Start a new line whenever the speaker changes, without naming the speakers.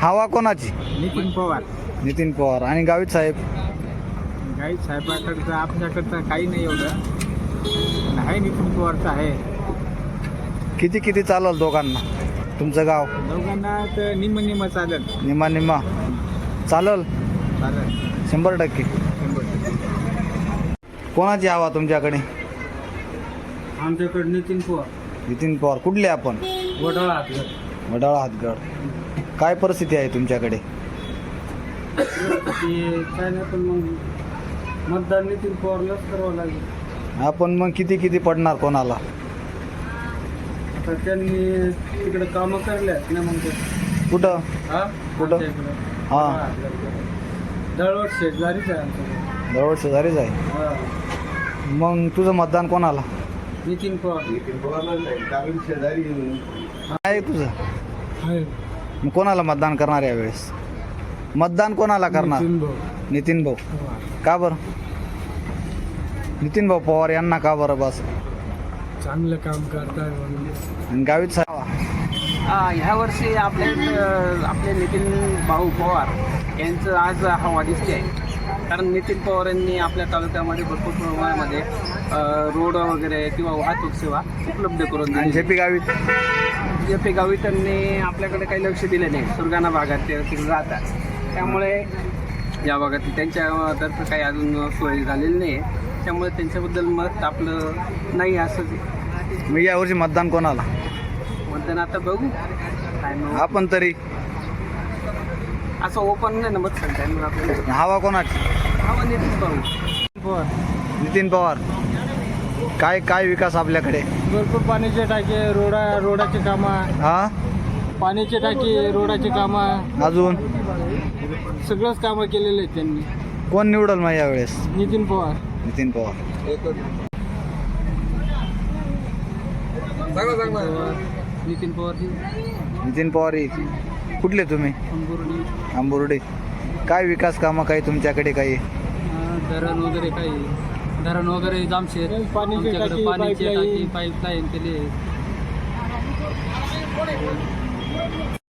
हवा कोणाची?
नितीन पवार.
नितीन पवार. आणि गावित साहेब?
गाईत साहेबाकडचं आपल्याकडचं काही नाही एवढं, आहे नितीन पवारचं आहे.
किती किती चालेल दोघांना? तुमचं गाव?
दोघांना तर निम्म चालेल.
निम्मा निम्मा चालेल?
चालेल
100%.
100%.
कोणाची हवा तुमच्याकडे?
आमच्याकडे नितीन पवार.
नितीन पवार. कुठले आपण?
वडाळा हातगड.
वडाळा हातगड. काय परिस्थिती आहे तुमच्याकडे?
काय नाही, पण मग मतदान नितीन पवारलाच करावं लागेल.
आपण मग किती किती पडणार कोणाला?
आता त्यांनी तिकडे कामं करल्यात ना मग.
कुठं? कुठं? हां.
दळवट शेजारीच आहे आमच्याकडे.
जवळ शेजारीच आहे.
हां.
मग तुझं मतदान कोणाला?
नितीन पवार.
काय आहे तुझं?
आहे.
मग कोणाला मतदान करणार यावेळेस? मतदान कोणाला करणार?
नितीन भाऊ.
नितीन भाऊ. का बरं? नितीन भाऊ पवार यांना का बरं? बस
चांगलं काम करताय म्हणून.
आणि गावित साहेब?
ह्या वर्षी आपले नितीन भाऊ पवार यांचं आज हवा दिसते आहे. कारण नितीन पवार यांनी आपल्या तालुक्यामध्ये भरपूर प्रमाणामध्ये रोड वगैरे किंवा वाहतूक सेवा उपलब्ध करून
आणि
दिली.
J P Gavit?
J P. Gavit यांनी आपल्याकडे काही लक्ष दिलं नाही. सुरगाणा भागात ते तिकडे राहतात, त्यामुळे या भागात त्यांच्यातर्फे काही अजून सोय झालेली नाही आहे. त्यामुळे त्यांच्याबद्दल मत आपलं नाही असं.
मग यावर्षी मतदान कोणाला?
मतदान आता बघू काय मग.
आपण तरी
असं ओपन नाही ना मत सांगता मग आपल्याला.
हवा कोणाची?
हवा नितीन भाऊ.
नितीन पवार. काय काय विकास आपल्याकडे?
भरपूर पाण्याचे टाके, रोडाचे कामं,
हा.
पाण्याचे टाके, रोडाचे कामं,
अजून
सगळंच कामं केलेले आहेत त्यांनी.
कोण निवडल मग यावेळेस?
नितीन पवार.
नितीन पवार.
नितीन पवार.
नितीन पवार. कुठले तुम्ही? आंबुर्डे. काय विकास कामं काही तुमच्याकडे काही?
धरण वगैरे काही, धरण वगैरे जामशेत, पाण्याची टाकी, पाईपलाईन केली.